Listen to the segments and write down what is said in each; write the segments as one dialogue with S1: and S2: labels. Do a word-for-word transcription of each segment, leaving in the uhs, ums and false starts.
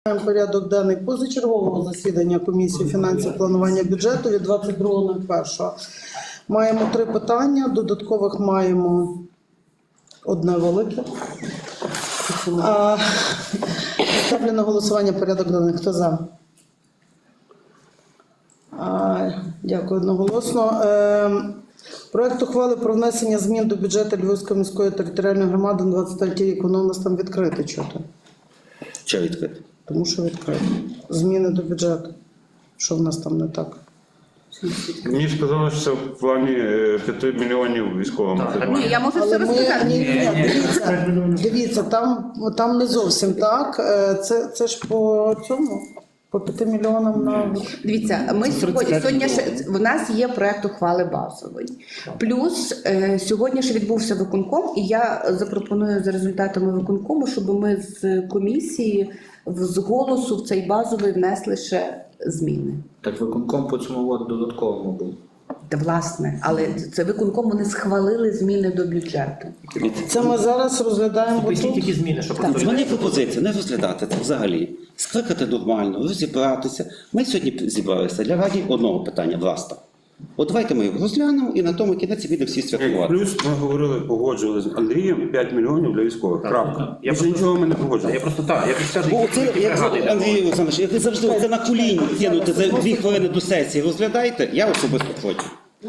S1: Порядок денний позачергового засідання комісії фінансів планування бюджету від двадцять другого першого. Маємо три питання, додаткових маємо одне велике. А, ставлю на голосування порядок денний. Хто за? А, дякую одноголосно. Е, проект ухвали про внесення змін до бюджету Львівської міської територіальної громади на двадцять третій рік. Воно у нас там відкрите чого-то.
S2: Що відкрите?
S1: Тому що відкрито. Зміни до бюджету. Що в нас там не так?
S3: Мені сказали, що це в плані п'яти мільйонів військовим.
S4: Ні, я можу
S1: Але
S4: все
S1: ми,
S4: розказати.
S1: ні, ні, дивіться, дивіться, там, там не зовсім так. Е, Це, це ж по цьому, по п'яти мільйонам на...
S4: Дивіться, ми сьогодні, сьогодні ще, в нас є проект ухвали базовий. Плюс е, сьогодні ще відбувся виконком, і я запропоную за результатами виконкому, щоб ми з комісії в- з голосу в цей базовий внесли ще зміни.
S2: Так виконком по цьому от додатковому був.
S4: Та, власне, але це виконком, вони схвалили зміни до бюджету.
S1: Це ми зараз розглядаємо
S5: Поясніть,
S1: тут.
S5: які зміни, що
S4: Так.
S5: просто
S2: Дзвони пропозиція, не розглядати це взагалі. Скликати нормально, розібратися. Ми сьогодні зібралися для раді одного питання, власне. От давайте ми його розглянемо і на тому кінець підемо всі святкувати.
S3: Плюс ми говорили, погоджували з Андрієм п'ять мільйонів для військових.
S5: Так,
S3: Крапка.
S5: так. Я
S3: Більше
S5: просто-
S3: нічого ми не
S5: Та
S3: погоджували.
S5: я просто так, я просто кажу,
S2: Бо
S5: які-
S2: це,
S5: які
S2: як
S5: бригади йдемо.
S2: Андрій Олександрович, як ви завжди це на коліні кинути за дві хвилини до сесії, розглядайте, я особисто проти.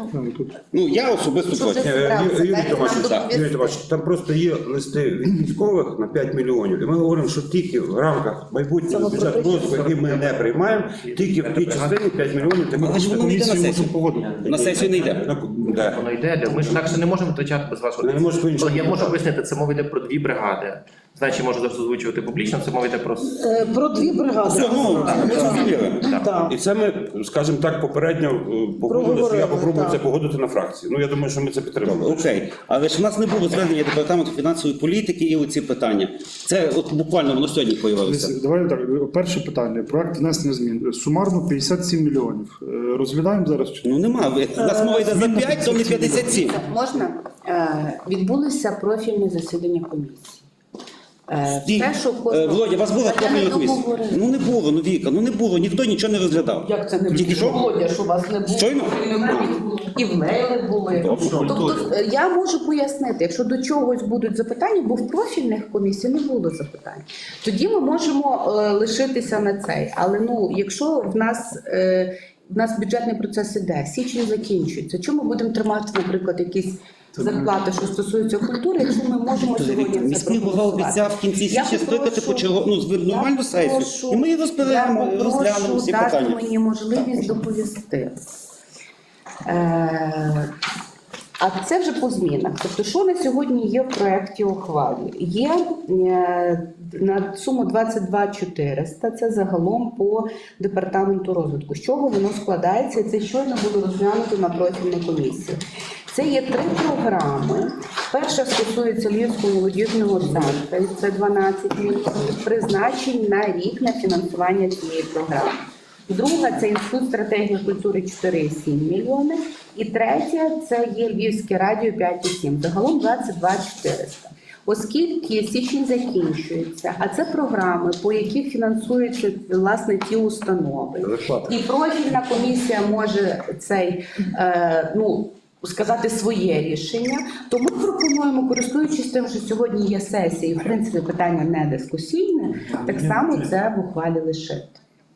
S2: Ну, я особисто
S4: Що вже
S2: проти.
S3: Е,
S4: зібрався,
S3: Юрій
S4: дайте нам
S3: Томашович,
S4: доповісти.
S3: Юрій Томашович, там просто є листи від військових на п'ять мільйонів. І ми говоримо, що тільки в рамках майбутнього бюджету розвитку, який ми не приймаємо, тільки в тій частині п'ять мільйонів. такі
S2: Але ж воно не йде на сесію. На сесію не йде.
S3: Ну, де?
S5: Воно йде, для- ми ж інакше не можемо витрачати без вашого.
S3: Не можеш по-іншому.
S5: Я можу пояснити, це мова йде про дві бригади. Значить, можу зараз озвучувати публічно, це мова йде про...
S1: Е, Про дві бригади.
S2: Все, ну, ми зрозуміли.
S1: Так.
S3: І це ми, скажімо так, попередньо е, погодили, що
S1: Проговорили,
S3: я попробую
S1: так.
S3: це погодити на фракції. Ну, я думаю, що ми це підтримали.
S2: Окей, але ж у нас не було звернення департаменту фінансової політики і оці питання. Це от буквально воно сьогодні появилося.
S6: Давай так. Перше питання. Проект внесення змін. Сумарно п'ятдесят сім мільйонів. Е, Розглядаємо зараз. чи-
S2: Ну нема. У нас мова йде за п'ять, то не п'ятдесят сім.
S4: Можна? Е, Відбулися профільні засідання комісії. Е,
S2: Стій.
S4: Те, що
S2: Е,
S4: кожного-
S2: Володя, вас була
S4: Та я
S2: профільна
S4: не
S2: комісія?
S4: договорила.
S2: Ну не було, ну Віка, ну не було, ніхто нічого не розглядав.
S4: Як це не було?
S2: Тільки що?
S4: Володя, що у вас не було?
S2: Щойно?
S4: І в мейли були.
S2: Добре.
S4: Тобто е, я можу пояснити, якщо до чогось будуть запитання, бо в профільних комісій не було запитань, тоді ми можемо е, лишитися на цей. Але ну, якщо в нас, е, в нас бюджетний процес іде, січень закінчується, чому ми будемо тримати, наприклад, якісь зарплати, що стосуються культури, якщо ми можемо сьогодні це
S2: Міський голова
S4: проголосувати?
S2: обіцяв в кінці
S4: Я
S2: січня скликати
S4: попрошу-
S2: почерго, ну, з-
S4: я
S2: нормальну сесію.
S4: попрошу-
S2: І ми її розберемо,
S4: я попрошу
S2: розглянемо всі
S4: дати
S2: питання.
S4: мені можливість доповісти. Е, А це вже по змінах. Тобто, що на сьогодні є в проєкті ухвали? Є е, на суму двадцять два чотириста, це загалом по департаменту розвитку. З чого воно складається? І це щойно було розглянуто на профільній комісії. Це є три програми. Перша стосується Львівського молодіжного центру, це дванадцять мільйонів призначень на рік на фінансування цієї програми. Друга – це Інститут стратегії культури чотири і сім мільйони. І третя – це є Львівське радіо п'ять і сім. Загалом двадцять два чотириста. Оскільки січень закінчується, а це програми, по яких фінансуються, власне, ті установи. І профільна комісія може цей, е, ну, сказати своє рішення, то ми пропонуємо, користуючись тим, що сьогодні є сесія, і в принципі питання не дискусійне, так само це в ухвалі лишити.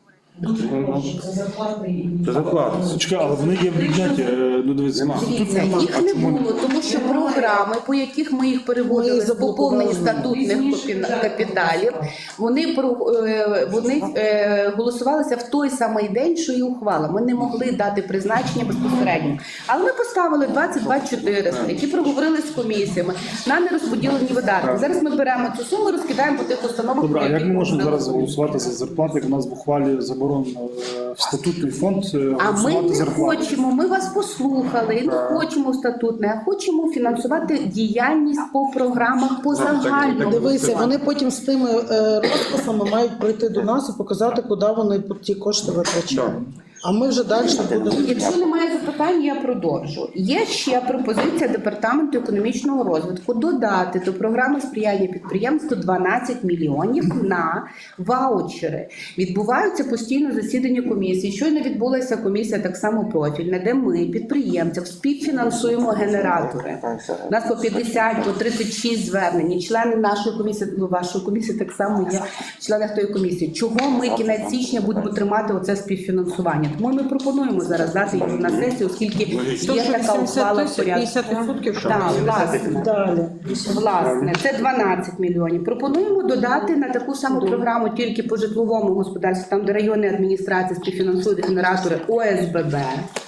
S3: Це зарплата.
S6: Чекай, але вони є в бюджеті. Е, Ну, дивіться, тут
S4: Дивіться,
S6: нема.
S4: їх
S6: А
S4: не
S6: чому
S4: було, тому що програми, по яких ми їх переводили
S1: Ми
S4: з поповнення
S1: заблокували.
S4: статутних капі- капіталів, вони, про- е, вони е, голосувалися в той самий день, що і ухвала. Ми не могли дати призначення безпосередньо. Але ми поставили двадцять два чотириста, які проговорили з комісіями на нерозподілені видатки. Зараз ми беремо цю суму, розкидаємо по тих установах.
S6: Добре, а
S4: про
S6: як
S4: які
S6: ми можемо
S4: говорили.
S6: зараз голосувати за зарплати, як у нас в ухвалі заборонено е, в статутний фонд е,
S4: А ми
S6: голосувати
S4: не
S6: зарплати?
S4: хочемо, ми вас послухали, і не хочемо в статутне, а хочемо фінансувати діяльність по програмах по загальному.
S1: Дивися, вони потім з тими е, розписами мають прийти до нас і показати, куди вони ті кошти витрачають. А ми вже далі будемо.
S4: Якщо немає запитань, питань я продовжу. Є ще пропозиція департаменту економічного розвитку додати до програми сприяння підприємству дванадцять мільйонів на ваучери. Відбуваються постійно засідання комісії. Щойно відбулася комісія так само профільна, де ми підприємцям співфінансуємо генератори. У нас по п'ятдесят, по тридцять шість звернень. І члени нашої комісії, ну, вашої комісії так само є члени тої комісії. Чого ми кінець січня будемо тримати оце співфінансування? Тому ми пропонуємо зараз дати його на сесію, оскільки є така ухвала в порядку.
S1: п'ятдесят відсотків, що
S4: Так, власне.
S1: далі.
S4: Власне, це дванадцять мільйонів. Пропонуємо додати на таку саму програму тільки по житловому господарству, там де районні адміністрації співфінансують генератори О С Б Б.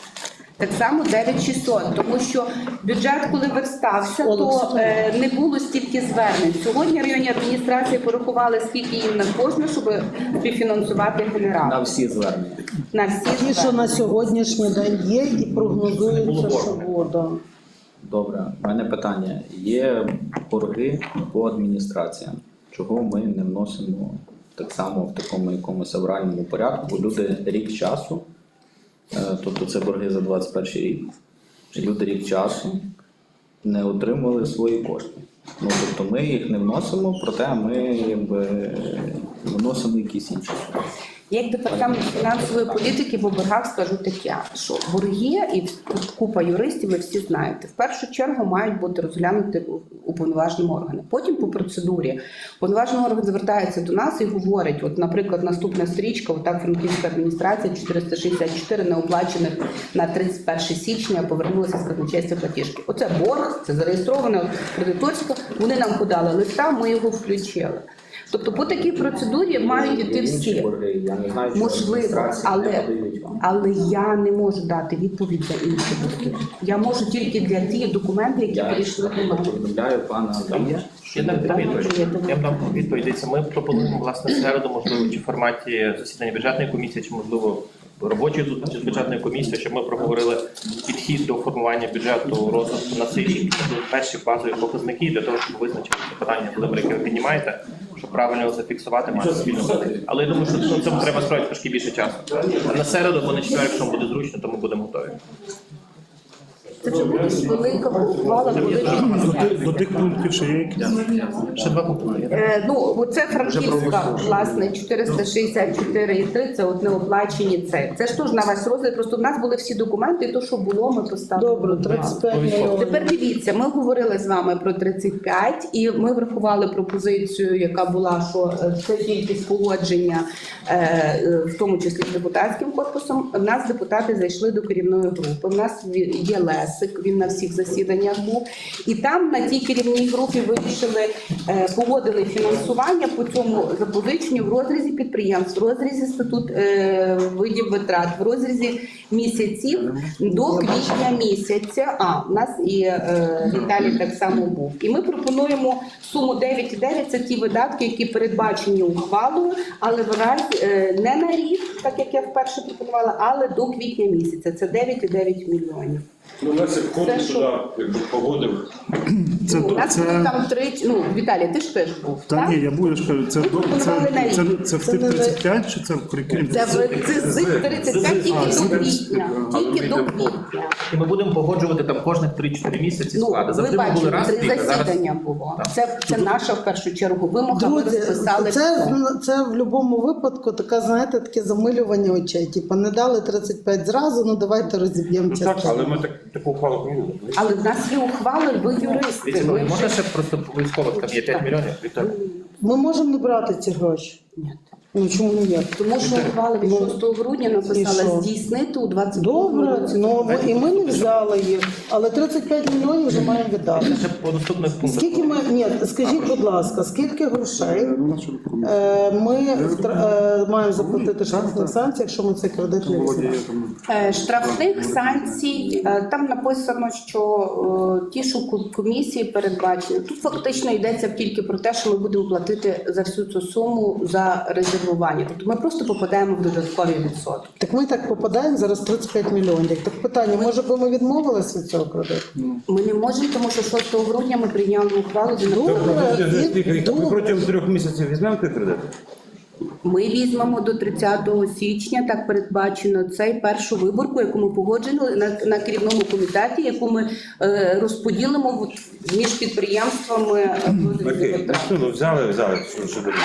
S4: Так само дев'ять шістсот, тому що бюджет, коли верстався, то е, не було стільки звернень. Сьогодні районні адміністрації порахували, скільки їм на кожне, щоб співфінансувати генератор.
S7: На всі звернення.
S4: На всі
S1: Ті, що
S4: звернення.
S1: на сьогоднішній день є і прогнозується, що буде.
S7: Добре, у мене питання. Є борги по адміністраціям. Чого ми не вносимо так само в такому якомусь авральному порядку? Люди рік часу, е, тобто це борги за двадцять перший рік. Люди рік часу не отримали свої кошти. Ну, тобто ми їх не вносимо, проте ми якби вносимо якісь інші.
S4: Як департамент фінансової політики по боргах скажу таке, що борги і тут купа юристів, ви всі знаєте, в першу чергу мають бути розглянуті уповноваженим органом. Потім по процедурі уповноважений орган звертається до нас і говорить, от, наприклад, наступна стрічка, отак Франківська адміністрація, чотириста шістдесят чотири неоплачених на тридцять перше січня повернулися з казначейства платіжки. Оце борг, це зареєстровано кредиторсько, вони нам подали листа, ми його включили. Тобто по такій процедурі мають йти всі.
S7: Я не знаю, що
S4: Можливо,
S7: адміністрації не
S4: але,
S7: надають вам.
S4: але я не можу дати відповідь за інші борги. Я можу тільки для тих документів, які
S7: Я
S4: перейшли до мене.
S7: повідомляю пана Андрія.
S5: Я дам відповідь. Я дам відповідь. Дивіться, ми пропонуємо власне в середу, можливо, чи в форматі засідання бюджетної комісії, чи можливо робочої зустрічі з бюджетною комісією, щоб ми проговорили підхід до формування бюджету розвитку на цей рік. Це будуть перші базові показники для того, щоб визначити це питання, Володимир, яке ви піднімаєте, щоб правильно його зафіксувати, мати спільну мету. Але я думаю, що ну, цьому треба строїти трошки більше часу. А на середу або на четвер, якщо вам буде зручно, то ми будемо готові.
S4: Це вже буде велика ухвала, велика.
S6: До тих, до тих пунктів ще є якісь?
S5: Ще два пункти.
S4: Е, ну, оце Франківська, власне, чотириста шістдесят чотири і три, це от неоплачені це. Це ж теж на ваш розгляд, просто в нас були всі документи, і то, що було, ми поставили.
S1: Добре, тридцять п'ять мільйонів.
S4: Тепер дивіться, ми говорили з вами про тридцять п'ять, і ми врахували пропозицію, яка була, що е, це тільки спогодження, е, е, в тому числі з депутатським корпусом. У нас депутати зайшли до керівної групи. У нас є Лесик, він на всіх засіданнях був. І там на тій керівній групі вирішили, е, погодили фінансування по цьому запозиченню в розрізі підприємств, в розрізі статут е, видів витрат, в розрізі місяців до квітня місяця. А, у нас і е, Віталій так само був. І ми пропонуємо суму дев'ять цілих дев'ять десятих, це ті видатки, які передбачені ухвалою, але в разі е, не на рік, так як я вперше пропонувала, але до квітня місяця. Це дев'ять цілих дев'ять дев'ять.
S3: Ну, Лесик
S4: Це
S3: входить
S4: що?
S3: туди, якби погодив.
S6: Це,
S4: Ну, у нас
S6: це,
S4: було там три, ну, Віталій, ти ж теж був,
S6: та
S4: так?
S6: ні, я був, я ж кажу, це,
S4: Ви
S6: це,
S4: пропонували на
S6: це,
S4: рік.
S6: це, це в
S1: Це
S6: тих
S1: не-
S6: тридцять п'ять чи це в крім?
S4: Це, в- це з тридцять п'ять тільки
S6: А, з
S4: до
S6: тридцять
S4: квітня.
S6: п'ять.
S4: Тільки до квітня.
S5: І ми будемо погоджувати там кожних три-чотири місяці
S4: Ну,
S5: склади.
S4: ви
S5: Завжди ми були
S4: бачите,
S5: раз в
S4: три
S5: рік, а зараз
S4: засідання було.
S5: Так.
S4: Це, це наша в першу чергу вимога. Ми
S1: Друзі,
S4: розписали
S1: це,
S4: все.
S1: це в будь-якому випадку таке, знаєте, таке замилювання очей. Типа не дали тридцять п'ять зразу, ну давайте розіб'ємо
S3: Ну так,
S1: частину.
S3: але ми так, таку ухвалу прийняли.
S4: Але в нас є ухвали, ви юристи.
S5: Дивіться,
S4: ви
S5: можна
S4: вже-
S5: ще просто військових там є п'ять мільйонів? Віктор?
S1: Ми можемо не брати ці гроші.
S4: Ні.
S1: Ну чому ні?
S4: Тому що ухвали від
S1: Ну,
S4: шостого грудня
S1: і
S4: написала
S1: що?
S4: здійснити у двадцять другому
S1: Добре,
S4: році.
S1: ну ми- і ми не взяли їх, але тридцять п'ять мільйонів вже маємо віддати.
S5: Ще по наступних пунктах.
S1: Скільки ми, ні, скажіть, будь ласка, скільки грошей
S6: Ну, на що тут комісія?
S1: е, ми втра- е, маємо заплатити штрафних санкцій, якщо ми цей кредит не
S6: Володя,
S1: візьмемо?
S6: є там.
S4: Е, Штрафних санкцій, е, там написано, що е, ті, що ку- комісії передбачені. Тут фактично йдеться тільки про те, що ми будемо платити за всю цю суму за резервування. Тобто ми просто попадаємо в додаткові відсотки.
S1: Так ми так попадаємо зараз тридцять п'ять мільйонів. Так питання, може би ми відмовилися від цього кредиту?
S4: Ми не можемо, тому що шостого грудня ми прийняли ухвалу. де
S1: Добре.
S4: написано-
S3: Тобто, за скільки рік? Ми
S1: Добре.
S3: протягом трьох місяців візьмемо той кредит?
S4: Ми візьмемо до тридцятого січня, так передбачено, цей першу виборку, яку ми погоджували на, на керівному комітеті, яку ми е, розподілимо от між підприємствами. е,
S3: Окей, ну, взяли, взяли, що, що буде.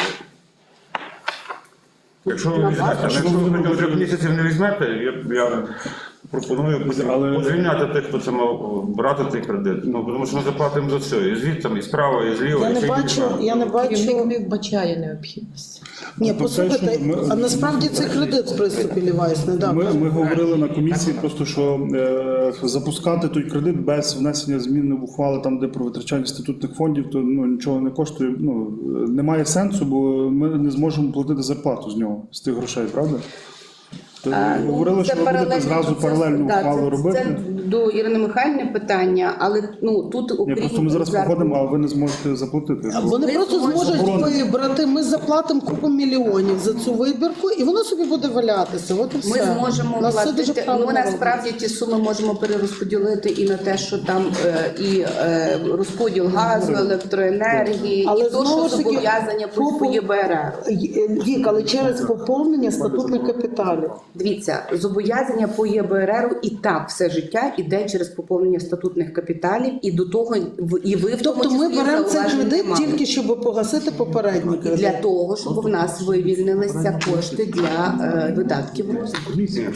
S3: Якщо ви візьмете, якщо ви протягом трьох місяців не візьмете, я, я пропоную
S6: Але-
S3: звільняти тих, хто це мав брати цей кредит. Ну, тому що ми заплатимо за все. І звідти, і справа, і зліва.
S1: Я
S3: і
S1: не
S3: ще й
S1: бачу,
S3: зліва.
S1: я не
S8: Керівник
S1: бачу.
S8: не вбачає необхідності.
S1: Ні,
S6: Тобто,
S1: послухайте,
S6: що ми-
S1: а насправді це кредит в приступі Лівайс, не так.
S6: Ми, ми говорили на комісії, просто що е, запускати той кредит без внесення змін в ухвали, там де про витрачання статутних фондів, то ну нічого не коштує. Ну е, немає сенсу, бо ми не зможемо платити зарплату з нього з тих грошей, правда? То
S4: А, ну,
S6: говорили,
S4: це
S6: що ви будете
S4: паралельно
S6: зразу
S4: процес.
S6: паралельну
S4: Да,
S6: ухвалу
S4: це,
S6: робити.
S4: Це до Ірини Михайлівни питання, але ну тут
S6: Ні,
S4: окрім
S6: просто ми зараз
S4: зарплати-
S6: походимо, а ви не зможете заплатити.
S1: Вони
S4: Ми
S1: просто
S4: зможемо
S1: зможуть
S6: заборонити.
S1: вибрати. Ми заплатимо купу мільйонів за цю вибірку, і воно собі буде валятися. От і все.
S4: Ми зможемо
S1: У нас все дуже
S4: платити.
S1: правильно
S4: Ну насправді ті суми можемо перерозподілити і на те, що там е, і е, розподіл газу, електроенергії,
S1: Але
S4: і то,
S1: знову
S4: що
S1: ж таки,
S4: зобов'язання по
S1: попу-
S4: по ЄБРР.
S1: Вік, але через поповнення статутних капіталів.
S4: Дивіться, зобов'язання по ЄБРР і так все життя іде через поповнення статутних капіталів, і до того в- і ви в тому
S1: Тобто ми
S4: числі
S1: беремо цей
S4: зауважень не
S1: кредит
S4: мали.
S1: тільки щоб погасити попередній
S4: І
S1: кредит.
S4: для того, щоб в нас вивільнилися кошти для е, видатків розвитку.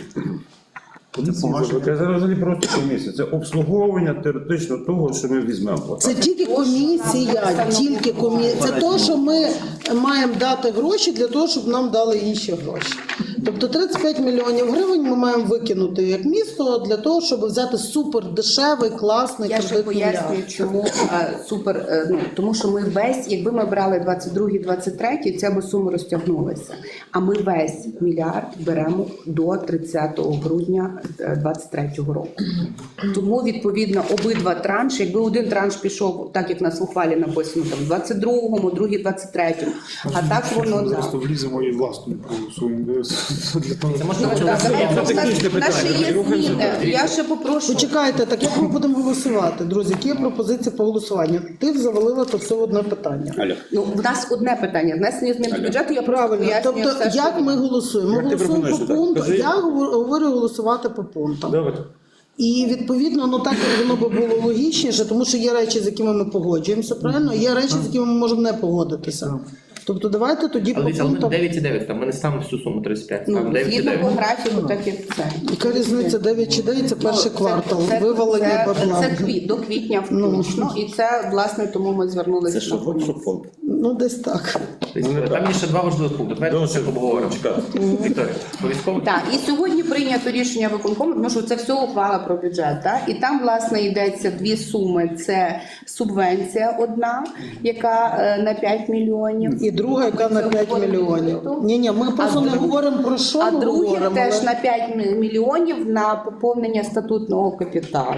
S3: Це зараз взагалі просто комісія. Це обслуговування теоретично того, що ми візьмемо.
S1: Це тільки комісія, тільки комісія. Це то, що ми маємо дати гроші для того, щоб нам дали інші гроші. Тобто тридцять п'ять мільйонів гривень ми маємо викинути як місто для того, щоб взяти супер дешевий, класний
S4: Я ще
S1: кредит
S4: пояснюю,
S1: мільярд.
S4: чому е, супер. е, Ну тому що ми весь, якби ми брали двадцять другий двадцять третій, ця би сума розтягнулася. А ми весь мільярд беремо до тридцятого грудня двадцять третього року. Тому відповідно обидва транші, якби один транш пішов, так як в нас в ухвалі написано, там в двадцять другому, другий двадцять третьому. А так воно да.
S6: Просто вліземо і власну проголосуємо. Для того,
S5: Це
S4: Ну,
S5: можливо
S4: так, давайте,
S5: це
S4: у нас-
S5: технічне
S4: у нас ще
S5: питання.
S4: є
S5: Рухаємося
S4: зміни.
S5: далі.
S4: Я ще попрошу.
S1: Почекайте, так як ми будемо голосувати, друзі? Які є пропозиції по голосуванню? Ти завалила то все в одне питання.
S2: Алло.
S4: Ну, в нас одне питання. Внесення змін до бюджету, я просто
S1: Правильно.
S4: пояснюю
S1: Тобто,
S4: все, що
S1: як ми голосуємо? Ми
S3: Як ти
S1: голосуємо
S3: пропонуєш,
S1: по
S3: так?
S1: пункту.
S3: Кажи.
S1: Я говорю говорю голосувати по пунктам.
S3: Давайте.
S1: І відповідно, ну так як воно би було логічніше, тому що є речі, з якими ми погоджуємося, правильно? Є речі, з якими ми можемо не погодитися. Тобто давайте тоді
S5: Але
S1: по
S5: дивіться, але ми
S1: пунктам.
S5: дев'ять і дев'ять, там ми не ставимо всю суму тридцять п'ять,
S4: Ну,
S5: ставимо дев'ять і
S4: згідно по
S5: дев'ять.
S4: графіку, так як це.
S1: Яка різниця дев'ять чи дев'ять, це перший
S4: Ну,
S1: квартал,
S4: це-
S1: вивалення
S4: це,
S1: бабла.
S4: це квіт, до квітня
S1: Ну.
S4: включно. І це, власне, тому ми звернулися.
S2: Це що,
S4: на комісію.
S2: щоб фонд?
S1: Ну десь так.
S5: Тобто, Там є ще два важливих пункти. Давайте
S3: Досить.
S5: це обговоримо. Вікторія, по військовому.
S4: Так, і сьогодні прийнято рішення виконкому, тому що це все ухвала про бюджет. Так? І там, власне, йдеться дві суми. Це субвенція одна, яка е, на п'ять мільйонів.
S1: І друга, яка на п'ять мільйонів. Ні, ні, ми просто не
S4: друг-
S1: говоримо про що
S4: А
S1: ми
S4: друге
S1: говоримо.
S4: теж
S1: але-
S4: на п'ять мі- мільйонів на поповнення статутного капіталу.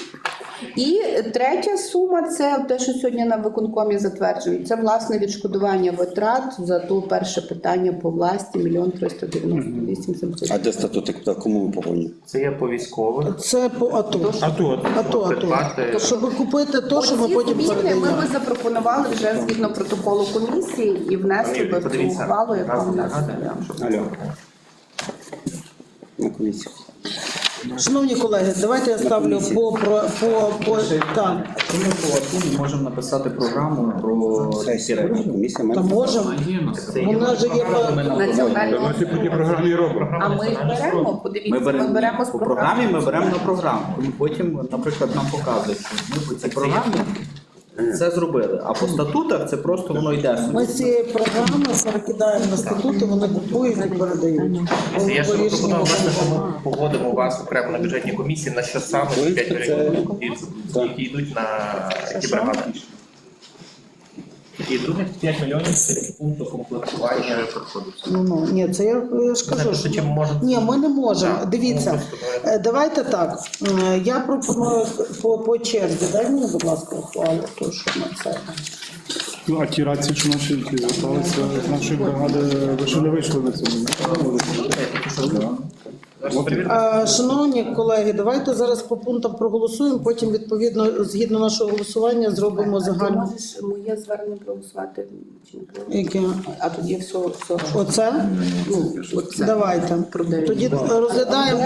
S4: І третя сума це те, що сьогодні на виконкомі затверджують. Це власне відшкодування витрат за то перше питання по власті мільйон триста дев'яносто вісім сімсот.
S2: А де статутний капітал? Кому ми повинні?
S5: Це є по військових.
S1: Це по АТО.
S3: А тут.
S1: АТО, АТо.
S5: Придбати.
S1: Щоб купити те, що ми
S4: Оці
S1: потім
S4: зміни ми
S1: передаємо.
S4: би запропонували вже згідно протоколу комісії і внесли
S5: Пані,
S4: би в цю
S5: подивіться.
S4: ухвалу, яка
S5: Разом
S4: в нас
S5: нагадуємо,
S4: є.
S5: щоб-
S2: Алло. На комісію.
S1: Шановні колеги, давайте я ставлю по про по по так.
S7: Ми по АТУ можемо написати програму про ці
S2: Сесія.
S7: речі.
S2: Комісія
S1: Та
S2: має.
S1: можемо.
S7: Це є
S1: Вона ж є по
S4: Національного
S3: Ми по тій програмі робимо.
S4: А ми їх беремо, подивіться,
S7: Ми беремо,
S4: ми беремо з
S7: по програмі, ми беремо на програму. І потім, наприклад, нам показують, що ми по цій програмі це зробили. А по статутах це просто воно йде.
S1: Ми з цієї програми перекидаємо на статути, вони купують і передають.
S5: Це я ще
S1: По рішенню
S5: пропонував, власне, що
S1: виконкому.
S5: ми погодимо вас окремо на бюджетній комісії, на що саме ці п'ять мільйонів, які йдуть на які бригади. І других п'ять мільйонів це пункту комплектування.
S1: Ну, ну, ні, це я, я ж кажу.
S5: Знаєте,
S1: що-
S5: чим можемо-
S1: Ні, ми не можемо.
S5: Так,
S1: Дивіться,
S5: ну, просто
S1: е, давайте так. Е, Я пропоную по, по черзі. Дай мені, будь ласка, ухвалу, то що на це.
S6: Ну, а ті рації, що наші ті зверталися з нашої бригади, ви що не вийшли на цьому?
S5: Зараз перевіримо.
S1: А, шановні колеги, давайте зараз по пунктам проголосуємо, потім відповідно згідно нашого голосування зробимо
S4: А ти
S1: загальну.
S4: можеш моє звернення проголосувати чи не проголосувати?
S1: Яке?
S4: А тоді все, все.
S1: Оце?
S4: Ну, оце.
S1: Давайте.
S4: Про дев'ять.
S1: Тоді розглядаємо.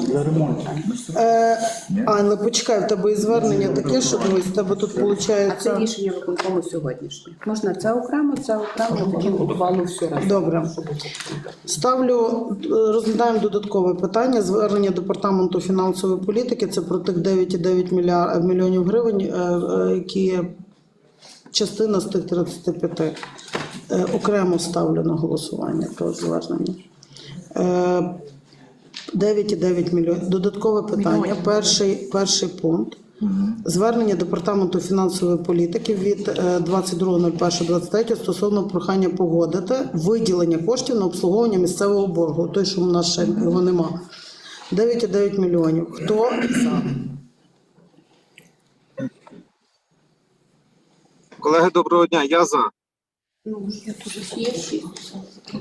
S1: Е, а, але почекай, в тебе і звернення таке, що дивись, в тебе тут
S4: А це
S1: виходить.
S4: рішення виконкому сьогоднішнє. Можна це окремо, це окремо, тоді ухвалу все разом.
S1: Добре. Ставлю, е, розглядаємо додаткове питання. Звернення департаменту фінансової політики. Це про тих дев'ять цілих дев'ять мілья- мільйонів гривень, е, е, які є частина з тих тридцяти п'яти. Е, окремо ставлю на голосування про звернення. Е, дев'ять цілих дев'ять мільйонів. Додаткове питання. Перший, перший пункт. Звернення департаменту фінансової політики від е, двадцять другого першого двадцять третього стосовно прохання погодити виділення коштів на обслуговування місцевого боргу. Той, що в нас ще його нема. дев'ять цілих дев'ять мільйонів. Хто за?
S9: Колеги, доброго дня, я за.
S4: Ну, я тут є шість.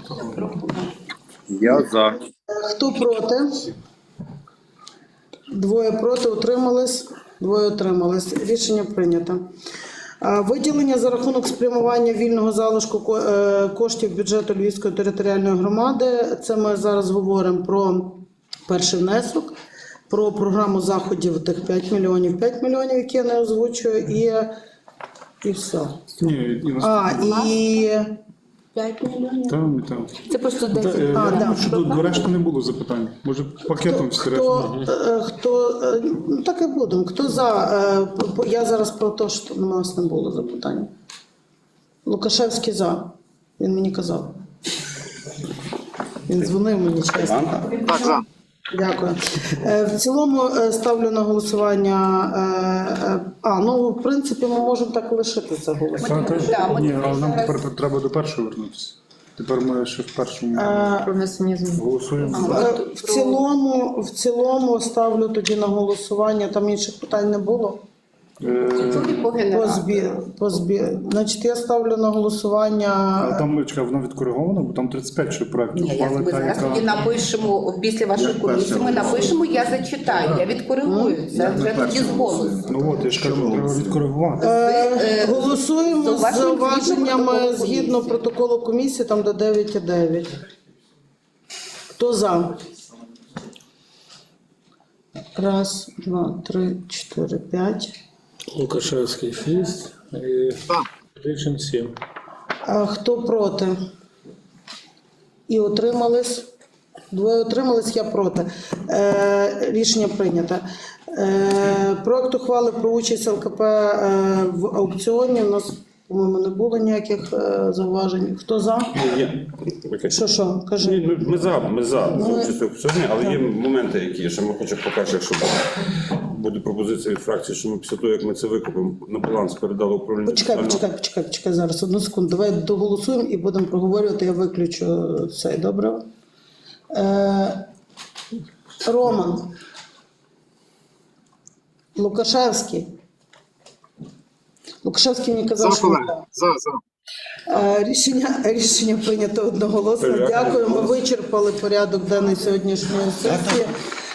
S9: Я за.
S1: Хто проти? Двоє проти, утримались. Двоє утримались. Рішення прийнято. А, виділення за рахунок спрямування вільного залишку ко- е, коштів бюджету Львівської територіальної громади. Це ми зараз говоримо про перший внесок, про програму заходів тих п'ять мільйонів, п'ять мільйонів, які я не озвучую, і, і все.
S6: Ні, і нас...
S1: А, і...
S4: п'ять мільйонів.
S6: Там, і там.
S4: Це просто
S6: Та,
S4: десять.
S6: е,
S1: А,
S6: я
S1: да.
S6: думаю, що до, до решти не було запитань. Може, пакетом всі решта.
S1: Хто, е, хто, е, ну так і будемо. Хто за? е, по- Я зараз про те, що у нас не було запитань. Лукашевський за. Він мені казав. Він дзвонив мені чесно.
S2: Іванка?
S9: Так, за.
S1: Дякую. Е, В цілому е, ставлю на голосування. е, е, А, ну в принципі ми можемо так і лишити це голосування.
S6: Та, та,
S4: Да, ми
S6: ні, але нам
S4: зараз-
S6: тепер треба до першого вернутися. Тепер ми ще в першому
S1: Е,
S8: Про внесення змін.
S6: голосуємо.
S1: Е, В цілому, в цілому ставлю тоді на голосування. Там інших питань не було.
S6: Е,
S4: Тільки по
S1: По
S4: генералу.
S1: збір, по збір. Значить, я ставлю на голосування.
S6: А там, чекай, воно відкориговано, бо там тридцять п'ять ще проєктів.
S4: Ні, я
S6: ухвали,
S4: ми
S6: та,
S4: зараз
S6: яка-
S4: тоді напишемо після вашої комісії. Ми напишемо, я зачитаю, я відкоригую. Це вже тоді з голосу.
S6: Ну от, я ж кажу, треба відкоригувати.
S1: Е,
S4: Е,
S1: Голосуємо з
S4: зауваженням
S1: зауваженнями
S4: згідно
S1: згідно протоколу комісії, там до дев'ять цілих дев'ять. Хто за? Раз, два, три, чотири, п'ять.
S10: Лукашевський шість і Річин сім.
S1: А хто проти? І утримались? Двоє утримались, я проти. Е, рішення прийнято. Е, проект ухвали про участь ЛКП е, в аукціоні. У нас, по-моєму, не було ніяких е, зауважень. Хто за?
S3: Є. Окей.
S1: Що, що?
S3: Ні,
S1: Кажи.
S3: ну, Ми за, ми за
S1: Ну,
S3: за участь в аукціоні, але є моменти, які ще ми хочемо, по-перше, якщо буде пропозиція від фракції, що ми після того, як ми це викупимо, на баланс передали управління.
S1: Почекай,
S3: соціального-
S1: почекай, почекай, почекай зараз. Одну секунду. Давай доголосуємо і будемо проговорювати. Я виключу цей, добре? Е, Роман. Лукашевський. Лукашевський мені казав,
S9: За,
S1: що
S9: колеги.
S1: так.
S9: За, за.
S1: Е, Рішення, рішення прийнято одноголосно.
S3: Дякую.
S1: Дякую. Ми вичерпали порядок денний сьогоднішньої сесії.